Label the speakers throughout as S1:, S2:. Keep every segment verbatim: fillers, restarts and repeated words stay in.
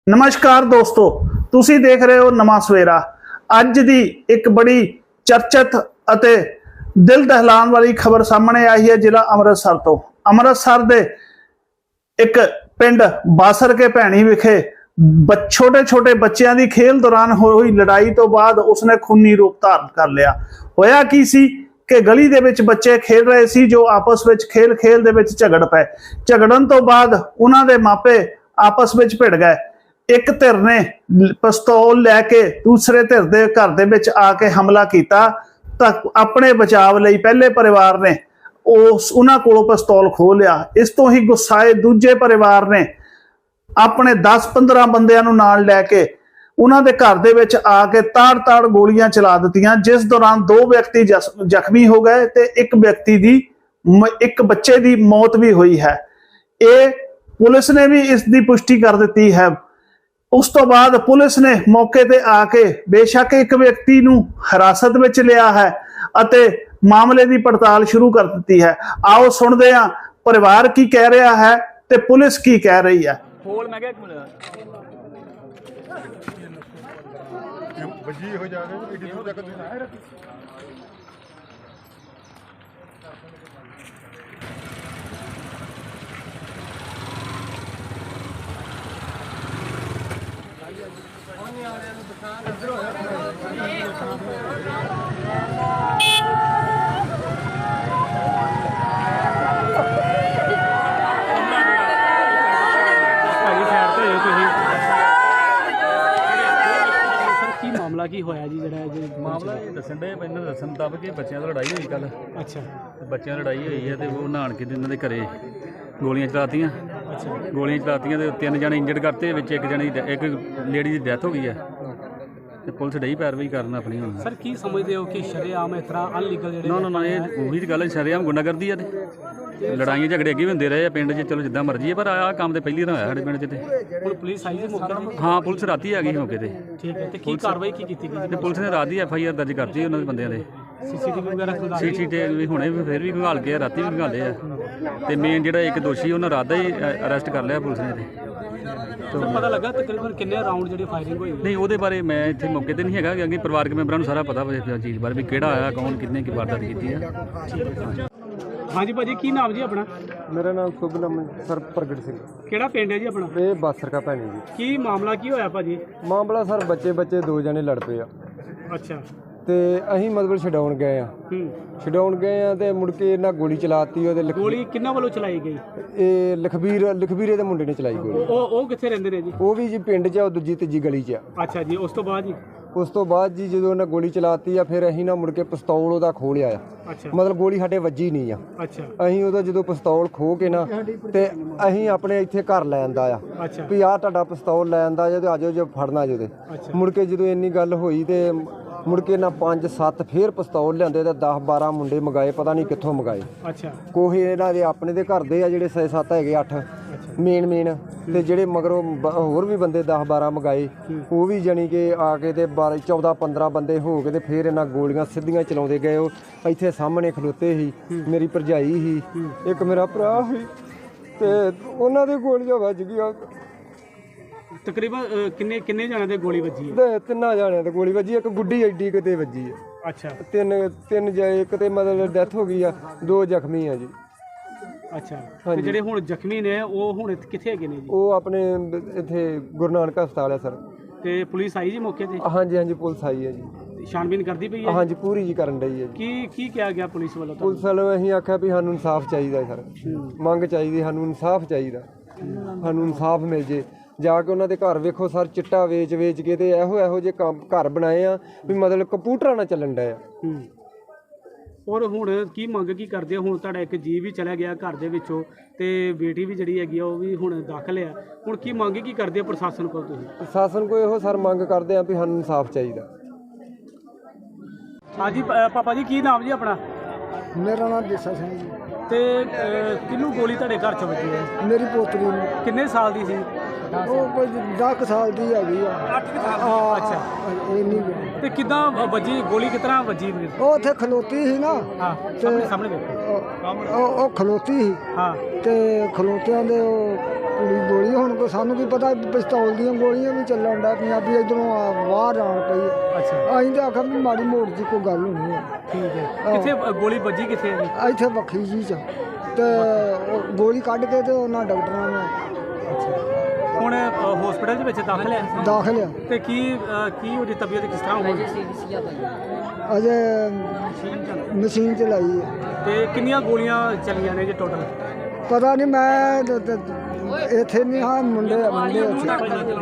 S1: नमस्कार दोस्तों, तुसी देख रहे हो नवा सवेरा। अज दी एक बड़ी चर्चित अते दिल दहलान वाली खबर सामने आई है जिला अमृतसर तो। अमृतसर दे एक पिंड बासर के भैणी विखे छोटे छोटे बच्चों की खेल दौरान हुई लड़ाई तो बाद उसने खूनी रूप धारण कर लिया। होया की सी कि गली दे विच बच्चे खेल रहे सी जो आपस में खेल खेल दे विच झगड़ पे। झगड़न तो बाद उन्हां दे मापे आपस में भिड़ गए। एक धिर ने पिस्तौल लैके दूसरे धिर दे घर दे विच आके हमला किया तां अपने बचाव लई पहले परिवार ने उस उन्हां कोलों पिस्तौल खो लिया। इस तो ही गुस्साए दूजे परिवार ने अपने दस पंद्रह बंदियां नूं नाल लैके उन्हां दे घर दे विच आके ताड़ ताड़ गोलियां चला दित्तियां, जिस दौरान दो व्यक्ति जख्मी हो गए ते एक व्यक्ति दी एक बच्चे दी मौत भी हुई है। ये पुलिस ने भी इसकी पुष्टि कर दी है। उस तो बाद पुलिस ने मौके ते आके बेशक एक व्यक्ति नूं हिरासत विच लिया है अते मामले की पड़ताल शुरू कर दी है। आओ सुनते हैं परिवार की कह रहा है ते पुलिस की कह रही है।
S2: मामला की होया जी जरा
S3: मामला ये दसन डे इन्होंने दसन मुताबिक कि बच्चों की लड़ाई हुई कल।
S2: अच्छा,
S3: बच्चों की लड़ाई हुई है तो वो नहान के इन्होंने घरे गोलियां चलातियां।
S2: अच्छा,
S3: गोलियां चलातियां तो तीन जने इंजर्ड करते, विच एक जने एक लेडी की डेथ हो गई है तो पुलिस डई पैरवाई करना अपनी हुण।
S2: सर की समझते हो कि शरेआम इस तरह अनलीगल जेहड़े
S3: ना ना ना ये वही गल शरेआम गुंडागर्दी है ते लड़ाइयां झगड़े अगे भी होंदे रहे पिंड च, चलो जिद्दां मर्जी है, पर आ काम तो पहली बार होया साडे पिंड च ते।
S2: हुण पुलिस आई जी मौके ते?
S3: हाँ, पुलिस राती आ गई मौके ते।
S2: ठीक है, ते की कार्रवाई की कीती गई?
S3: ते पुलिस ने रात ही एफ आई आर दर्ज करती उन्होंने बंदियां दे।
S2: सीसीटीवी वगैरह खंगाल
S3: सी सी टी वी हुणे भी फिर भी घंगाल के राती भी घंगाले आ ते मेन जिहड़ा एक दोषी उन्हें रात दा ही अरेस्ट कर लिया पुलिस ने ते।
S2: तो पता लगा तकरीबन किन्ने राउंड जेहड़ी फायरिंग हुई?
S3: नहीं वो बारे मैं इतने मौके पर नहीं है, क्योंकि परिवारक मैंबरों को सारा पता इस चीज़ बारे भी किहड़ा आया कौन कितने की वारदात की है।
S2: हाँ जी भाजी, की नाम जी अपना?
S4: मेरा नाम शुभ नाम सर प्रगट सिंह।
S2: किहड़ा पिंड है जी अपना?
S4: ये बासर का भैनी जी।
S2: की मामला की होया भाजी?
S4: मामला सर बच्चे बच्चे दो जने लड़ पे आ
S2: अच्छा,
S4: ਤੇ ਅਸੀਂ ਮਤਲਬ ਛਡਾਉਣ ਗਏ ਆ
S2: ਹੂੰ,
S4: ਛਡਾਉਣ ਗਏ ਆ ਤੇ ਮੁੜ ਕੇ ਇਹਨਾਂ ਗੋਲੀ ਚਲਾਤੀ ਉਹਦੇ ਲਖ-
S2: ਗੋਲੀ ਕਿੰਨਾਂ ਵੱਲੋਂ ਚਲਾਈ ਗਈ?
S4: ਇਹ ਲਖਬੀਰ ਲਖਬੀਰੇ ਦੇ ਮੁੰਡੇ ਨੇ ਚਲਾਈ ਗੋਲੀ।
S2: ਉਹ ਉਹ ਕਿੱਥੇ ਰਹਿੰਦੇ ਨੇ ਜੀ?
S4: ਉਹ ਵੀ ਜੀ ਪਿੰਡ 'ਚ ਆ, ਉਹ ਦੂਜੀ ਤੀਜੀ ਗਲੀ 'ਚ ਆ।
S2: ਅੱਛਾ ਜੀ, ਉਸ ਤੋਂ ਬਾਅਦ ਜੀ?
S4: ਉਸ ਤੋਂ ਬਾਅਦ ਜੀ ਜਦੋਂ ਉਹਨਾਂ ਗੋਲੀ ਚਲਾਤੀ ਆ ਫਿਰ ਅਸੀਂ ਨਾ ਮੁੜ ਕੇ ਪਿਸਤੌਲ ਉਹਦਾ ਖੋਹ ਲਿਆ ਆ।
S2: ਅੱਛਾ,
S4: ਮਤਲਬ ਗੋਲੀ ਸਾਡੇ ਵੱਜੀ ਨਹੀਂ ਆ।
S2: ਅੱਛਾ,
S4: ਅਸੀਂ ਉਹਦਾ ਜਦੋਂ ਪਿਸਤੌਲ ਖੋਹ ਕੇ ਨਾ ਤੇ ਅਸੀਂ ਆਪਣੇ ਇੱਥੇ ਘਰ ਲੈ ਆਂਦਾ ਆ
S2: ਅੱਛਾ,
S4: ਵੀ ਆਹ ਤੁਹਾਡਾ ਪਿਸਤੌਲ ਲੈ ਆਂਦਾ ਜੇ ਤੇ ਆਜੋ ਜੇ ਫੜਨਾ ਜੇ ਤੇ।
S2: ਅੱਛਾ,
S4: ਮੁੜ ਕੇ ਜਦੋਂ ਇੰਨੀ ਗੱਲ ਹੋਈ ਤੇ ਮੁੜ ਕੇ ਨਾ ਪੰਜ ਸੱਤ ਫੇਰ ਪਿਸਤੌਲ ਲਿਆਂਦੇ ਤੇ ਦਸ ਬਾਰਾਂ ਮੁੰਡੇ ਮੰਗਾਏ, ਪਤਾ ਨਹੀਂ ਕਿੱਥੋਂ ਮੰਗਾਏ।
S2: ਅੱਛਾ,
S4: ਕੋਈ ਇਹਨਾਂ ਦੇ ਆਪਣੇ ਦੇ ਘਰ ਦੇ ਆ ਜਿਹੜੇ ਛੇ ਸੱਤ ਹੈਗੇ ਅੱਠ ਮੇਨ ਮੇਨ, ਤੇ ਜਿਹੜੇ ਮਗਰੋਂ ਬ- ਹੋਰ ਵੀ ਬੰਦੇ ਦਸ ਬਾਰਾਂ ਮੰਗਾਏ। ਉਹ ਵੀ ਜਾਣੀ ਕਿ ਆ ਕੇ ਤੇ ਬਾਰਾਂ ਚੌਦਾਂ ਪੰਦਰਾਂ ਬੰਦੇ ਹੋ ਕੇ ਤੇ ਫਿਰ ਇਹਨਾਂ ਗੋਲੀਆਂ ਸਿੱਧੀਆਂ ਚਲਾਉਂਦੇ ਗਏ। ਉਹ ਇੱਥੇ ਸਾਹਮਣੇ ਖਲੋਤੇ ਸੀ, ਮੇਰੀ ਭਰਜਾਈ ਸੀ, ਇੱਕ ਮੇਰਾ ਭਰਾ ਸੀ, ਤੇ ਉਹਨਾਂ ਦੇ ਗੋਲੀਆਂ ਵੱਜ ਗਈਆਂ
S2: ਤਕਰੀਬਨ ਅ, ਕਿੰਨੇ ਕਿੰਨੇ ਜਣਿਆਂ ਦੇ ਗੋਲੀ ਵੱਜੀ ਹੈ?
S4: ਤੇ ਤਿੰਨਾਂ ਜਾਣਿਆਂ ਤੇ ਗੋਲੀ ਵੱਜੀ। ਇੱਕ ਗੁੱਡੀ ਐਡੀ ਕਿਤੇ ਵੱਜੀ ਆ।
S2: ਅੱਛਾ,
S4: ਤਿੰਨ ਤਿੰਨ ਜਾਏ, ਇੱਕ ਤੇ ਮਤਲਬ ਡੈਥ ਹੋ ਗਈ ਆ, ਦੋ ਜ਼ਖਮੀ ਆ ਜੀ।
S2: ਅੱਛਾ, ਤੇ ਜਿਹੜੇ ਹੁਣ ਜ਼ਖਮੀ ਨੇ ਉਹ ਹੁਣ ਇੱਥੇ ਕਿੱਥੇ ਹੈਗੇ ਨੇ ਜੀ?
S4: ਉਹ ਆਪਣੇ ਇੱਥੇ ਗੁਰੂ ਨਾਨਕ ਹਸਪਤਾਲ ਆ ਸਰ।
S2: ਤੇ ਪੁਲਿਸ ਆਈ ਜੀ ਮੌਕੇ ਤੇ?
S4: ਹਾਂਜੀ ਹਾਂਜੀ ਪੁਲਿਸ ਆਈ ਹੈ ਜੀ।
S2: ਛਾਣਬੀਨ ਕਰਦੀ ਪਈ ਹੈ?
S4: ਹਾਂਜੀ ਪੂਰੀ ਜੀ ਕਰਨ ਡਈ ਹੈ ਜੀ।
S2: ਕੀ ਕੀ ਕਿਹਾ ਗਿਆ ਪੁਲਿਸ ਵੱਲੋਂ?
S4: ਪੁਲਿਸ ਵੱਲੋਂ ਅਸੀਂ ਆਖਿਆ ਵੀ ਸਾਨੂੰ ਇਨਸਾਫ ਚਾਹੀਦਾ ਸਰ, ਮੰਗ ਚਾਹੀਦੀ, ਸਾਨੂੰ ਇਨਸਾਫ ਚਾਹੀਦਾ, ਸਾਨੂੰ ਇਨਸਾਫ ਮਿਲ ਜੇ। ਜਾ ਕੇ ਉਹਨਾਂ ਦੇ ਘਰ ਵੇਖੋ ਸਰ, ਚਿੱਟਾ ਵੇਚ ਵੇਚ ਕੇ ਤੇ ਇਹੋ ਇਹੋ ਜਿਹੇ ਕੰਮ ਘਰ ਬਣਾਏ ਆ ਵੀ ਮਤਲਬ ਕੰਪਿਊਟਰਾਂ ਨਾਲ ਚੱਲਣ ਡਿਆ।
S2: ਹੂੰ, ਔਰ ਹੁਣ ਕੀ ਮੰਗ ਕੀ ਕਰਦੇ ਹੋ? ਹੁਣ ਤੁਹਾਡਾ ਇੱਕ ਜੀ ਵੀ ਚਲਾ ਗਿਆ ਘਰ ਦੇ ਵਿੱਚੋਂ ਤੇ ਬੇਟੀ ਵੀ ਜਿਹੜੀ ਹੈਗੀ ਆ ਉਹ ਵੀ ਹੁਣ ਦਾਖਲ ਆ। ਹੁਣ ਕੀ ਮੰਗ ਕੀ ਕਰਦੇ ਹੋ ਪ੍ਰਸ਼ਾਸਨ ਕੋਲ ਤੁਸੀਂ?
S4: ਪ੍ਰਸ਼ਾਸਨ ਕੋਲ ਇਹੋ ਸਰ ਮੰਗ ਕਰਦੇ ਆ ਵੀ ਸਾਨੂੰ ਇਨਸਾਫ ਚਾਹੀਦਾ।
S2: ਹਾਂਜੀ ਪ- ਪਾਪਾ ਜੀ, ਕੀ ਨਾਮ ਜੀ ਆਪਣਾ?
S5: ਮੇਰਾ ਨਾਮ ਦੇਸਾ ਸਿੰਘ ਜੀ।
S2: ਤੇ ਅ, ਕਿਹਨੂੰ ਗੋਲੀ ਤੁਹਾਡੇ ਘਰ ਚ ਵੱਜੀ ਹੈ?
S5: ਮੇਰੀ ਪੋਤਰੀ ਨੂੰ
S2: ਕਿੰਨੇ ਸਾਲ ਦੀ ਸੀ?
S5: ਉਹ ਕੋਈ ਦਸ ਕੁ ਸਾਲ ਦੀ ਹੈਗੀ ਆ। ਹਾਂ,
S2: ਅੱਛਾ,
S5: ਇਹ ਨਹੀਂ
S2: ਤੇ ਕਿੱਦਾਂ ਵੱਜੀ ਗੋਲੀ? ਕਿਸ ਤਰ੍ਹਾਂ ਵੱਜੀ?
S5: ਉਹ ਉੱਥੇ ਖਲੋਤੀ ਸੀ ਨਾ।
S2: ਹਾਂ, ਸਾਹਮਣੇ ਸਾਹਮਣੇ ਵੇਖੋ।
S5: ਉਹ ਉਹ- ਉਹ ਖਲੋਤੀ ਸੀ
S2: ਹਾਂ,
S5: ਤੇ ਖਲੋਤਿਆਂ ਦੇ ਉਹ ਕੁੜੀ ਗੋਲੀ ਹੁਣ ਕੋ ਸਾਨੂੰ ਕੀ ਪਤਾ ਪਿਸਤੌਲ ਦੀਆਂ ਗੋਲੀਆਂ ਵੀ ਚੱਲਣ ਡਿਆ ਪਈਆਂ ਵੀ ਇੱਧਰੋਂ ਆ ਬਾਹਰ ਆਉਣ ਪਈ।
S2: ਅੱਛਾ
S5: ਅਸੀਂ ਤਾਂ ਆਖਿਆ ਵੀ ਮਾੜੀ ਮੋੜ ਦੀ ਕੋਈ ਗੱਲ ਹੋਣੀ ਹੈ।
S2: ਠੀਕ ਹੈ ਕਿੱਥੇ ਅ, ਗੋਲੀ ਵੱਜੀ ਕਿੱਥੇ ਹੈ ਜੀ?
S5: ਇੱਥੇ ਵੱਖਰੀ ਜੀ ਚ ਤੇ ਉਹ ਗੋਲੀ ਕੱਢ ਕੇ ਤੇ ਉਹਨਾਂ ਡਾਕਟਰਾਂ ਨੇ
S2: ਹੁਣ ਹਸਪੀਟਲ ਦੇ ਵਿੱਚ ਦਾਖਲ ਹੈ
S5: ਦਾਖਲ ਆ।
S2: ਤੇ ਕੀ ਅ, ਕੀ ਉਹਦੀ ਤਬੀਅਤ ਕਿਸ ਤਰ੍ਹਾਂ ਹੋ ਗਈ?
S5: ਅਜੇ ਮਸ਼ੀਨ ਚਲਾਈ ਹੈ।
S2: ਤੇ ਕਿੰਨੀਆਂ ਗੋਲੀਆਂ ਚੱਲੀਆਂ ਨੇ ਜੀ ਟੋਟਲ?
S5: ਪਤਾ ਨਹੀਂ ਮੈਂ ਤੇ- ਤੇ ਇੱਥੇ ਨਹੀਂ ਹਾਂ ਮੁੰਡੇ ਮੁੰਡੇ ਉੱਥੇ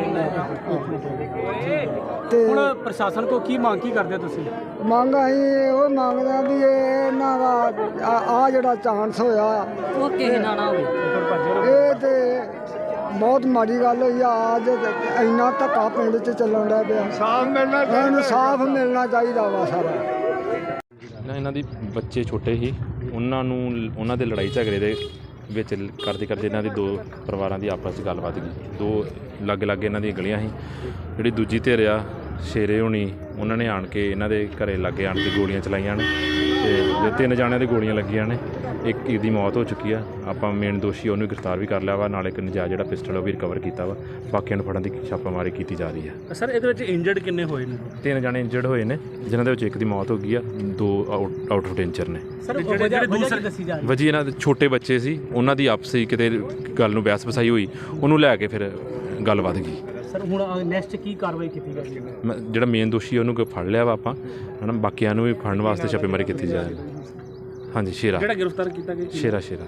S5: ਤੇ
S2: ਹੁਣ ਪ੍ਰਸ਼ਾਸਨ ਕੋ ਕੀ ਮੰਗ ਕੀ ਕਰਦੇ ਹੋ ਤੁਸੀਂ?
S5: ਮੰਗ ਅਸੀਂ ਉਹ ਮੰਗਦੇ ਆ ਵੀ ਇਹ ਇਹਨਾਂ ਦਾ ਆ ਜਿਹੜਾ ਚਾਂਸ ਹੋਇਆ
S6: ਉਹ ਕਿਸੇ ਨਾਲ ਨਾ ਹੋਵੇ।
S5: ਇਹ ਤੇ ਬਹੁਤ ਮਾੜੀ ਗੱਲ ਹੋਈ ਆ। ਅੱਜ ਇੰਨਾ ਧੱਕਾ ਪਿੰਡ 'ਚ ਚੱਲਣ ਡਿਆ ਪਿਆ। ਸਾਫ ਮਿਲਣਾ ਚਾਹੀਦਾ ਸਾਫ ਮਿਲਣਾ ਚਾਹੀਦਾ ਵਾ ਸਾਰਾ।
S7: ਨਾ ਇਹਨਾਂ ਦੀ ਬੱਚੇ ਛੋਟੇ ਸੀ, ਉਹਨਾਂ ਨੂੰ ਉਹਨਾਂ ਦੇ ਲੜਾਈ ਝਗੜੇ ਦੇ ਵਿੱਚ ਕਰਦੇ ਕਰਦੇ ਇਹਨਾਂ ਦੀ ਦੋ ਪਰਿਵਾਰਾਂ ਦੀ ਆਪਸ 'ਚ ਗੱਲਬਾਤ ਗਈ। ਦੋ ਲਾਗੇ ਲਾਗੇ ਇਹਨਾਂ ਦੀਆਂ ਗਲੀਆਂ ਸੀ। ਜਿਹੜੀ ਦੂਜੀ ਧਿਰ ਆ ਸ਼ੇਰੇ ਹੋਣੀ, ਉਹਨਾਂ ਨੇ ਆਣ ਕੇ ਇਹਨਾਂ ਦੇ ਘਰੇ ਲਾਗੇ ਆਣ ਕੇ ਗੋਲੀਆਂ ਚਲਾਈਆਂ ਨੇ ਤੇ ਜੇ ਤਿੰਨ ਜਾਣਿਆਂ ਦੇ ਗੋਲੀਆਂ ਲੱਗੀਆਂ ਨੇ। ਇੱਕ ਦੀ ਮੌਤ ਹੋ ਚੁੱਕੀ ਆ। ਆਪਾਂ ਮੇਨ ਦੋਸ਼ੀ ਉਹਨੂੰ ਗ੍ਰਿਫਤਾਰ ਵੀ ਕਰ ਲਿਆ ਵਾ, ਨਾਲ ਇੱਕ ਨਜਾਇਜ਼ ਜਿਹੜਾ ਪਿਸਟਲ ਉਹ ਵੀ ਰਿਕਵਰ ਕੀਤਾ ਵਾ। ਬਾਕੀਆਂ ਨੂੰ ਫੜਨ ਦੀ ਛਾਪਾਮਾਰੀ ਕੀਤੀ ਜਾ ਰਹੀ ਆ।
S2: ਸਰ ਇਹਦੇ ਵਿੱਚ ਇੰਜਰਡ ਕਿੰਨੇ ਹੋਏ ਨੇ?
S7: ਤਿੰਨ ਜਾਣੇ ਇੰਜਰਡ ਹੋਏ ਨੇ, ਜਿਨ੍ਹਾਂ ਦੇ ਵਿੱਚ ਇੱਕ ਦੀ ਮੌਤ ਹੋ ਗਈ ਆ, ਦੋ ਆਊਟ ਆਊਟ ਆਫ ਡੇਂਜਰ ਨੇ।
S2: ਸਰ ਜਿਹੜੇ ਜਿਹੜੇ ਦੂਸਰੇ ਦੱਸੀ ਜਾ ਰਹੀ
S7: ਵਜੀ ਇਹਨਾਂ ਦੇ ਛੋਟੇ ਬੱਚੇ ਸੀ, ਉਹਨਾਂ ਦੀ ਆਪਸੀ ਕਿਤੇ ਗੱਲ ਨੂੰ ਬਹਿਸ ਵਸਾਈ ਹੋਈ, ਉਹਨੂੰ ਲੈ ਕੇ ਫਿਰ ਗੱਲ ਵੱਧ ਗਈ।
S2: ਸਰ ਹੁਣ ਨੈਕਸਟ ਕੀ ਕਾਰਵਾਈ ਕੀਤੀ ਜਾਵੇਗੀ?
S7: ਮੈਂ- ਜਿਹੜਾ ਮੇਨ ਦੋਸ਼ੀ ਉਹਨੂੰ ਕ- ਫੜ ਲਿਆ ਵਾ ਆਪਾਂ, ਹਨਾ। ਬਾਕੀਆਂ ਨੂੰ ਵੀ ਫੜਨ ਵਾਸਤੇ ਛਾਪੇਮਾਰੀ ਕੀਤੀ ਜਾ ਰਹੀ। ਹਾਂਜੀ ਸ਼ੇਰਾ
S2: ਜਿਹੜਾ ਗ੍ਰਿਫਤਾਰ ਕੀਤਾ ਗਿਆ
S7: ਸ਼ੇਰਾ ਸ਼ੇਰਾ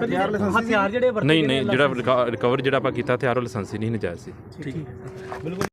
S2: ਹਥਿਆਰ ਜਿਹੜੇ ਵਰਤੇ
S7: ਨਹੀਂ
S2: ਗਏ
S7: ਨਹੀਂ
S2: ਨੇ
S7: ਜਿਹੜਾ ਰਿਕਵਰ ਜਿਹੜਾ ਆਪਾਂ ਕੀਤਾ ਹਥਿਆਰ ਉਹ ਲਾਇਸੈਂਸੀ ਨਹੀਂ ਨਜਾਇਜ਼ ਸੀ।
S2: ਠੀਕ ਹੈ ਬਿਲਕੁਲ।